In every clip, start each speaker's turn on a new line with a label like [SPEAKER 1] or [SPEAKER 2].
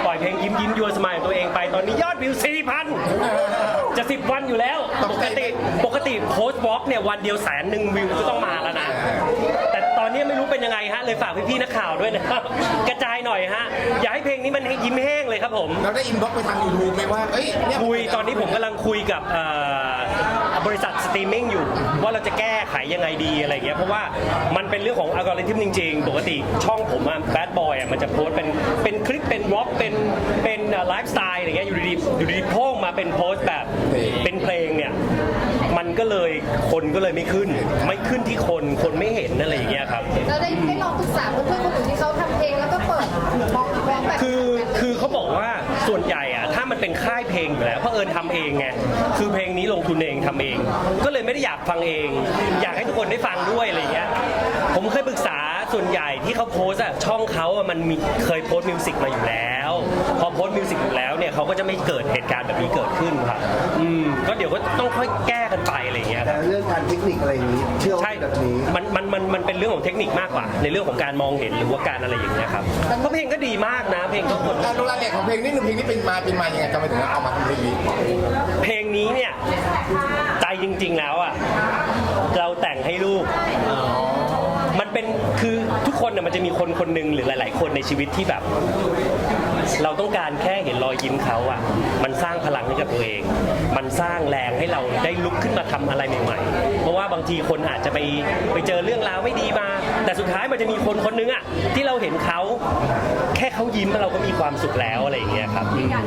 [SPEAKER 1] ล่อยเพลงยิ้มยิ้มยัวสมัยตัวเองไปตอนนี้ยอดวิว 4,000 จะ10 วันอยู่แล้วปกติโพสต์บล็อกเนี่ยวันเดียว100,000 วิวก็ต้องมาแล้วนะแต่ตอนนี้ไม่รู้เป็นยังไงฮะเลยฝากพี่ๆนักข่าวด้วยนะครับกระจายหน่อยฮะอยากให้เพลงนี้มันให้ยิ้มแห้งเลยครับผม
[SPEAKER 2] เราได้อินบ็อกซ์ไปทาง YouTube ไหมว่า
[SPEAKER 1] คุยตอนนี้ผมกำลังคุยกับบริษัทสตรีมมิ่งอยู่ว่าเราจะแก้ไขยังไงดีอะไรเงี้ยเพราะว่ามันเป็นเรื่องของอัลกอริทึมจริงๆปกติช่องผมแบดบอยมันจะโพสเป็นคลิปเป็นวอล์กเป็นไลฟ์สไตล์อะไรเงี้ยอยู่ดีๆโพ่งมาเป็นโพสต์แบบเป็นเพลงเนี่ยมันก็เลยคนก็เลยไม่ขึ้นที่คนไม่เห็นอะไรอย่างเงี้ยครับ
[SPEAKER 3] แล้วได้ลองปรึกษาเพื่อนๆคนอื่นที่เขาทำเพลงแล้วก็เปิดบล็อกแบบ
[SPEAKER 1] คือเขาบอกว่าส่วนใหญ่อะถ้ามันเป็นค่ายเพลงอยู่แล้วเพราะทำเองไงคือเพลงนี้ลงทุนเองทำเอง ก็เลยไม่ได้อยากฟังเอง อยากให้ทุกคนได้ฟังด้วยอะไรเงี้ยผมเคยปรึกษาส่วนใหญ่ที่เขาโพสอะช่องเขาอะมันมีเคยโพสมิวสิกมาอยู่แล้วพอโพสมิวสิกอยู่แล้วเนี่ยเขาก็จะไม่เกิดเหตุการณ์แบบนี้เกิดขึ้นครับก็เดี๋ยวก็ต้องค่อยแก้กันไปอะไรเงี้ย
[SPEAKER 4] แต่เรื่องการเทคนิคอะไรอย่างนี้เชื่อว่าแบบนี้
[SPEAKER 1] มันเป็นเรื่องของเทคนิคมากกว่าในเรื่องของการมองเห็นหรือว่าการอะไรอย่างเงี้ยครับเพราะเพลงก็ดีมากนะเพลงก็คน
[SPEAKER 2] การดูรายละเอียดของเพลงนี่เพลงนี้เป็นมายังไงจะมาถึงเอามาทำเพลงนี้
[SPEAKER 1] เพลงนี้เนี่ยใจจริงๆแล้วอ่ะเราแต่งให้ลูกมันเป็นคือทุกคนเนี่ยมันจะมีคนหนึ่งหรือหลายๆคนในชีวิตที่แบบเราต้องการแค่เห็นรอยยิ้มเขาอ่ะมันสร้างพลังให้กับตัวเองมันสร้างแรงให้เราได้ลุกขึ้นมาทำอะไรใหม่ๆเพราะว่าบางทีคนอาจจะไปเจอเรื่องราวไม่ดีมาแต่สุดท้ายมันจะมีคนนึงอ่ะที่เราเห็นเขาแค่เขายิ้มเราก็มีความสุขแล้วอะไรอย่างเงี้ยครับ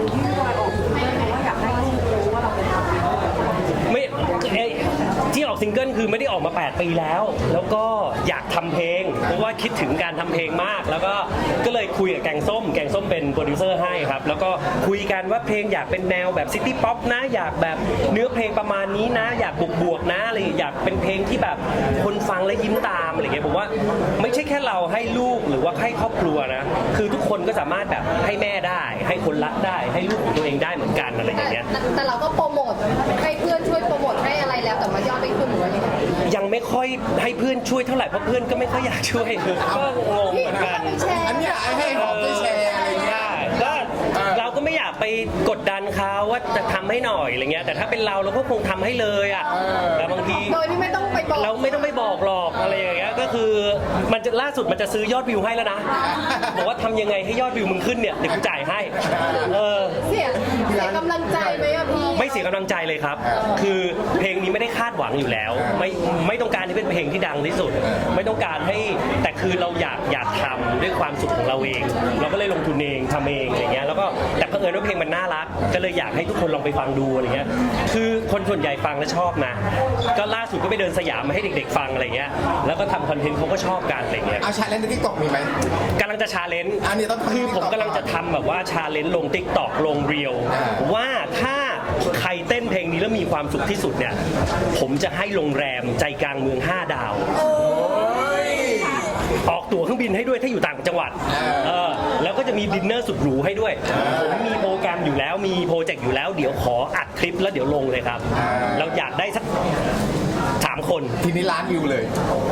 [SPEAKER 1] ไม่ที่ออกซิงเกิลคือไม่ได้ออกมา8 ปีแล้วก็อยากทำเพลงเพราะว่าคิดถึงการทำเพลงมากแล้วก็เลยคุยกับแกงส้มเป็นโปรดิวเซอร์ให้ครับแล้วก็คุยกันว่าเพลงอยากเป็นแนวแบบซิตี้ป๊อปนะอยากแบบเนื้อเพลงประมาณนี้นะอยากบวกนะอะไรอยากเป็นเพลงที่แบบคนฟังแล้วยิ้มตามอะไรเงี้ยผมว่าไม่ใช่แค่เราให้ลูกหรือว่าให้ครอบครัวนะคือทุกคนก็สามารถแบบให้แม่ได้ให้คนรักได้ให้ลูกของตัวเองได้เหมือนกันอะไรอย่างเงี้ย
[SPEAKER 3] แต่เราก็โปรโมทให้เพื่อนช่วยโปรโมทให้อะไรแล้วแต่มายอดไม่ขึ้นหรือว่า
[SPEAKER 1] ยังไม่ค่อยให้เพื่อนช่วยเท่าไหร่เพราะเพื่อนก็ไม่ค่อยอยากช่วยก็งงเหมือนกัน
[SPEAKER 2] อันนี้ให้หอมไปแชร์อะไรเงี้ย
[SPEAKER 1] ก็เราก็ไม่อยากไปกดดันเขาว่าจะทำให้หน่อยอะไรเงี้ยแต่ถ้าเป็นเราก็คงทำให้เลยอ่ะแต่บางที
[SPEAKER 3] โดยที่ไม่ต้องไปบอก
[SPEAKER 1] เราไม่ต้องไปบอกหรอกอะไรอย่างเงี้ยก็คือมันจะล่าสุดมันจะซื้อยอดวิวให้แล้วนะบอกว่าทำยังไงให้ยอดวิวมึงขึ้นเนี่ยเดี๋ยวกูจ่ายให้
[SPEAKER 3] เสียกำลังใจไหมอะพี่
[SPEAKER 1] ไม่เสียกำลังใจเลยครับคือเพลงนี้ไม่ได้คาดหวังอยู่แล้วไม่ต้องการที่เป็นเพลงที่ดังที่สุดไม่ต้องการให้แต่คือเราอยากทำด้วยความสุขของเราเองเราก็เลยลงทุนเองทำเองอย่างเงี้ยแล้วก็แต่เผอิญว่าเพลงมันน่ารักก็เลยอยากให้ทุกคนลองไปฟังดูอะไรเงี้ยคือคนส่วนใหญ่ฟังแล้วชอบนะก็ล่าสุดก็ไปเดินสยามมาให้เด็กๆฟังอะไรเงี้ยแล้วก็ทำคอนเทนต์เขาก็ชอบกันอะไรเงี้ย
[SPEAKER 2] ชาเลนจ์ใน TikTok มีไหม
[SPEAKER 1] กำลังจะชาเลนจ์คือผมกำลังจะทำแบบว่าชาเลนจ์ลง TikTok ลงเรียวว่าถ้าใครเต้นเพลงนี้แล้วมีความสุขที่สุดเนี่ยผมจะให้โรงแรมใจกลางเมือง5 ดาวออกตั๋วเครื่องบินให้ด้วยถ้าอยู่ต่างจังหวัดแล้วก็จะมีดินเนอร์สุดหรูให้ด้วยผมมีโปรแกรมอยู่แล้วมีโปรเจกต์อยู่แล้วเดี๋ยวขออัดคลิปแล้วเดี๋ยวลงเลยครับเราอยากได้สัก3 คน
[SPEAKER 2] ทีนี้ล้านวิวเลย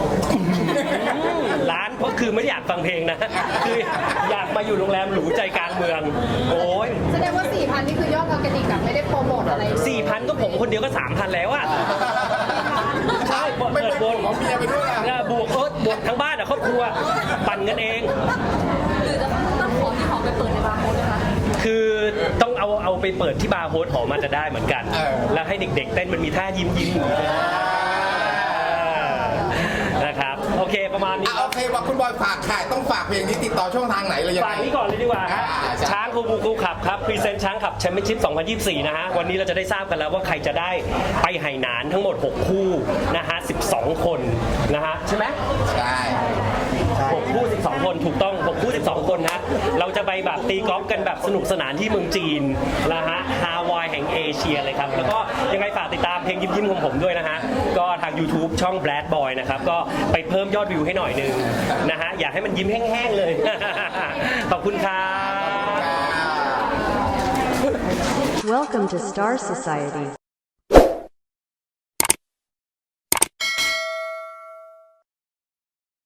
[SPEAKER 1] ล้านเพราะคือไม่อยากฟังเพลงนะคืออยากมาอยู่โรงแรมหรูใจกลางเมืองโอ้ย
[SPEAKER 3] แสดงว่า 4,000 นี่คือยอดออร์แกนิกกับไม่ได้โปรโมทอะไร
[SPEAKER 1] 4,000 ก็ผมคนเดียวก็ 3,000 แล้วอะใช่เปิดบน
[SPEAKER 2] ของเมียไปด้วย
[SPEAKER 1] บวกทั้งบ้านอะครอบครัวปั่นกันเอง
[SPEAKER 3] หรือจะต้องขอที่หอไปเปิดในบาร์โฮสนะคะ
[SPEAKER 1] คือต้องเอาไปเปิดที่บาร์โฮสหอมาจะได้เหมือนกันแล้วให้เด็กๆเต้นมันมีท่ายิ้มนะครับโอเคประมาณนี้
[SPEAKER 2] โอเคว่าคุณบอยฝากค่ะต้องฝากเพลงนี้ติดต่อช่องทางไหนเลยยังไง
[SPEAKER 1] ฝากนี้ก่อนเลยดีกว่าช้างคูบูขับครับพรีเซนต์ช้างขับแชมเปี้ยนชิพ 2024 นะฮะวันนี้เราจะได้ทราบกันแล้วว่าใครจะได้ไปไหหนานทั้งหมด6 คู่นะฮะ12 คนนะฮะใช่ไหม
[SPEAKER 2] ใช่
[SPEAKER 1] 6 คู่ 12 คนถูกต้อง6 คู่ 12 คนนะเราจะไปแบบตีกอล์ฟกันแบบสนุกสนานที่เมืองจีนนะฮะฮาวายแห่งเอเชียเลยครับแล้วก็ยังไงฝากติดตามเพลงยิ้มของผมด้วยนะฮะก็ทาง YouTube ช่อง Bad Boy นะครับก็ไปเพิ่มยอดวิวให้หน่อยนึงนะฮะอยากให้มันยิ้มแห้งๆเลยขอบคุณครับ
[SPEAKER 5] Welcome to Star Society